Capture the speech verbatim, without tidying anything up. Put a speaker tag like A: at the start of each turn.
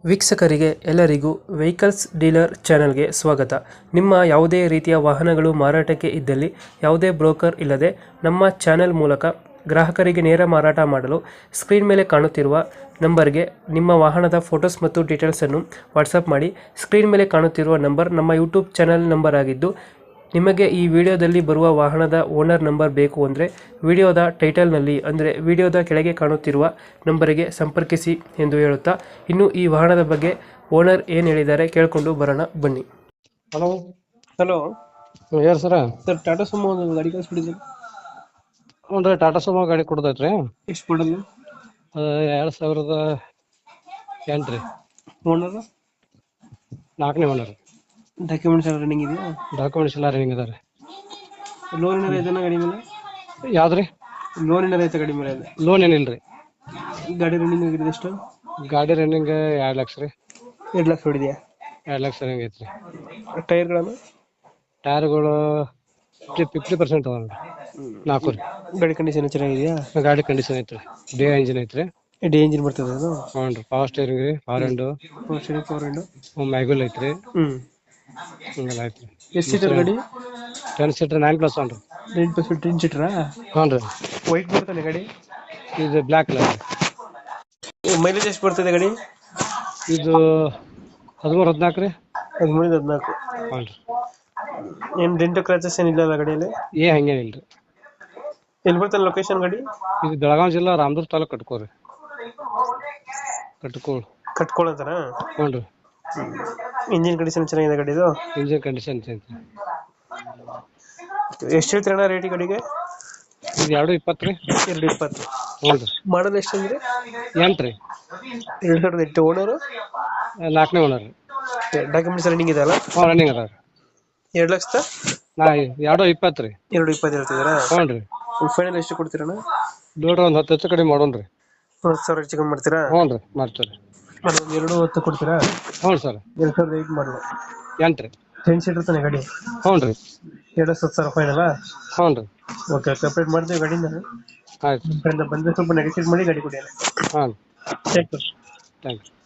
A: ವೀಕ್ಷಕರಿಗೆ ಎಲ್ಲರಿಗೂ vehicles dealer ಚಾನೆಲ್ಗೆ ಸ್ವಾಗತ. ನಿಮ್ಮ ಯಾವುದೇ ರೀತಿಯ ವಾಹನಗಳು ಮಾರಾಟಕ್ಕೆ ಇದ್ದಲ್ಲಿ ಯಾವುದೇ ಬ್ರೋಕರ್ ಇಲ್ಲದೆ ನಮ್ಮ ಚಾನೆಲ್ ಮೂಲಕ ಗ್ರಾಹಕರಿಗೆ ನೇರ ಮಾರಾಟ ಮಾಡಲು ಸ್ಕ್ರೀನ್ ಮೇಲೆ ಕಾಣುತ್ತಿರುವ ನಂಬರ್ಗೆ ನಿಮ್ಮ ವಾಹನದ ಫೋಟೋಸ್ ಮತ್ತು ಡೀಟೇಲ್ಸನ್ನು ವಾಟ್ಸಪ್ ಮಾಡಿ. ಸ್ಕ್ರೀನ್ ಮೇಲೆ ಕಾಣುತ್ತಿರುವ ನಂಬರ್ ನಮ್ಮ ಯೂಟ್ಯೂಬ್ ಚಾನೆಲ್ ನಂಬರ್ ಆಗಿದ್ದು, ನಿಮಗೆ ಈ ವಿಡಿಯೋದಲ್ಲಿ ಬರುವ ವಾಹನದ ಓನರ್ ನಂಬರ್ ಬೇಕು ಅಂದರೆ ವಿಡಿಯೋದ ಟೈಟಲ್ನಲ್ಲಿ ಅಂದರೆ ವಿಡಿಯೋದ ಕೆಳಗೆ ಕಾಣುತ್ತಿರುವ ನಂಬರಿಗೆ ಸಂಪರ್ಕಿಸಿ ಎಂದು ಹೇಳುತ್ತಾ, ಇನ್ನು ಈ ವಾಹನದ ಬಗ್ಗೆ ಓನರ್ ಏನು ಹೇಳಿದ್ದಾರೆ ಕೇಳಿಕೊಂಡು ಬರೋಣ ಬನ್ನಿ.
B: ಹಲೋ
A: ಹಲೋ
B: ಯಾರು ಸರ?
A: ಸರ್, ಟಾಟಾ ಸುಮೋ ಒಂದು ಗಾಡಿ ಕಳಿಸ್ಬಿಟ್ಟಿದ್ದಾರೆ.
B: ಹ್ಞೂ ರೀ, ಟಾಟಾ ಸುಮೋ ಗಾಡಿ ಕೊಡ್ತೈತ್ರಿ.
A: ಎಷ್ಟು ಮಾಡಲ್ಲ?
B: ಎರಡು ಸಾವಿರದ ಎಂಟು ರೀ.
A: ಓನರ್
B: ನಾಲ್ಕನೇ ಓನರ್.
A: ಡಾಕ್ಯುಮೆಂಟ್ಸ್ ಎಲ್ಲ ರನ್ನಿಂಗ್ ಇದೆಯಾ?
B: ಡಾಕ್ಯುಮೆಂಟ್ಸ್ ಎಲ್ಲ ರನ್ನಿಂಗ್ ಅದ ರೀ.
A: ಲೋನ್ ಏನಾರ ಐತನ ಗಾಡಿ ಮೇಲೆ?
B: ಯಾವ್ದು ರೀ?
A: ಲೋನ್ ಏನಾರ ಐತೆ ಗಾಡಿ ಮೇಲೆ?
B: ಲೋನ್ ಏನಿಲ್ಲ ರೀ.
A: ಗಾಡಿ ರನ್ನಿಂಗ್ ಆಗಿದೆ ಎಷ್ಟು?
B: ಗಾಡಿ ರನ್ನಿಂಗ್ ಎರಡು ಲಕ್ಷ ರೀ.
A: ಎರಡು ಲಕ್ಷ ಹೊಡಿದೆಯಾ?
B: ಎರಡು ಲಕ್ಷ ರನ್ನಿಂಗ್ ಐತ್ರಿ.
A: ಟೈರ್ಗಳನ್ನು?
B: ಟೈರ್ಗಳು ಫಿಫ್ಟಿ ಪರ್ಸೆಂಟ್ ಅದಾವ ರೀ. ನಾಲ್ಕು ರೀ.
A: ಗಾಡಿ ಕಂಡೀಷನ್ ಚೆನ್ನಾಗಿದೆಯಾ?
B: ಗಾಡಿ ಕಂಡೀಷನ್ ಐತ್ರಿ. ಡೇ ಇಂಜಿನ್ ಐತ್ರಿ.
A: ಡಿ ಇಂಜಿನ್ ಬರ್ತದೆ ಅದು?
B: ಹ್ಞೂ ರೀ. ಪವರ್ ಸ್ಟೇರಿಂಗ್ ರೀ, power window,
A: power window,
B: mag wheel ಐತ್ರಿ.
A: ಹ್ಮ್
B: ಹಿಂಗೆಲ್ಲ ಐತ್ರಿ.
A: ಎಷ್ಟು ಸೀಟರ್ ಗಾಡಿ?
B: Ten seater nine plus one ರೀ.
A: ನೈನ್ ಪ್ಲಸ್ ಟೆನ್ ಸೀಟರಾ?
B: ಹ್ಞೂ ರೀ.
A: ವೈಟ್ ಬರ್ತಾನೆ ಗಾಡಿ?
B: ಇದು ಬ್ಲ್ಯಾಕ್ ಕಲರ್.
A: ಮೈಲೇಜ್ ಎಷ್ಟು ಬರ್ತದೆ ಗಾಡಿ?
B: ಇದು ಹದಿಮೂರು ಹದಿನಾಲ್ಕು ರೀ.
A: ಹದಿಮೂರಿಂದ ಹದಿನಾಲ್ಕು.
B: ಹ್ಞೂ ರೀ.
A: ಏನು ಡೆಂಟು ಕ್ರಾಚಸ್ ಏನಿಲ್ಲ ಅಲ್ಲ ಗಾಡಿಯಲ್ಲಿ?
B: ಏ ಹಂಗೇನಿಲ್ಲ ರೀ.
A: ಎಲ್ಲಿ ಬರ್ತಾನೆ ಲೊಕೇಶನ್ ಗಾಡಿ?
B: ಇದು ಬೆಳಗಾವಿ ಜಿಲ್ಲಾ ರಾಮದುರ್ಗ ತಾಲೂಕು ಕಟ್ಕೋರಿ. ಕಟ್ಕೋಳ್
A: ಕಟ್ಕೊಳ್ಳೋಂತಾರ?
B: ಹ್ಞೂ ರೀ.
A: ಇಂಜಿನ್ ಕಂಡೀಷನ್ ಚೆನ್ನಾಗಿದೆ ಗಾಡಿದು?
B: ಇಂಜಿನ್ ಕಂಡೀಷನ್ ಐತಿ.
A: ಎಷ್ಟು ಹೇಳ್ತೀರಣ್ಣ ರೇಟ್ ಗಾಡಿಗೆ?
B: ಇದು ಎರಡು ಇಪ್ಪತ್ತು ರೀ.
A: ಎರಡು ಇಪ್ಪತ್ತು.
B: ಹ್ಞೂ ರೀ.
A: ಮಾಡಲ್ ಎಷ್ಟು ಅಂದ್ರೆ?
B: ಎಂಟು ರೀ.
A: ಎರಡು ಸಾವಿರದ ಎಂಟು. ಓನರು?
B: ನಾಲ್ಕನೇ ಓನರ್ ರೀ.
A: ಡಾಕ್ಯುಮೆಂಟ್ಸ್ ರನ್ನಿಂಗ್ ಇದೆ ಅಲ್ಲ?
B: ಹ್ಞೂ ರನ್ನಿಂಗ್ ಅದ ರೀ.
A: ಎರಡು ಲಕ್ಷದ
B: ನಾ ಎರಡು ಇಪ್ಪತ್ತು ರೀ.
A: ಎರಡು ಇಪ್ಪತ್ತು ಹೇಳ್ತಿದ್ದೀರಾ?
B: ಹ್ಞೂ ರೀ.
A: ಫೈನಲ್ ಎಷ್ಟು ಕೊಡ್ತೀರಣ್ಣ?
B: ನೋಡ್ರಿ ಒಂದು ಹತ್ತು ಹೆಚ್ಚು ಕಡಿಮೆ ಮಾಡೋಣ ರೀ.
A: ಹತ್ತು ಸಾವಿರ ಹೆಚ್ಚು ಕಮ್ಮಿ ಮಾಡ್ತೀರಾ?
B: ಹ್ಞೂ ರೀ, ಮಾಡ್ತೀವಿ ರೀ.
A: ಒಂದು ಎರಡು ಹತ್ತು ಕೊಡ್ತೀರಾ?
B: ಹ್ಞೂ ಸರ್.
A: ಎರಡು ಸಾವಿರದ ಐದು ಮಾಡಲು
B: ಎಂಟು ರೀ.
A: ಟೆನ್ ಸೀಟರ್ ತಾನೆ ಗಾಡಿ?
B: ಹ್ಞೂ ರೀ.
A: ಎರಡು ಹತ್ತು ಸಾವಿರ ಫೈನಲ್ಲ?
B: ಹ್ಞೂ ರೀ.
A: ಓಕೆ, ಕಂಪ್ಲೀಟ್ ಮಾಡ್ತೀವಿ ಗಾಡಿನ.
B: ಆಯ್ತು.
A: ನಿಮ್ಮ ಕಡೆಯಿಂದ ಬಂದರೆ ಸ್ವಲ್ಪ ನೆಗೆಟಿವ್ ಮಾಡಿ ಗಾಡಿ ಕೊಡಿ.
B: ಹಾಂ,
A: ಥ್ಯಾಂಕ್ ಯು.
B: Thank you.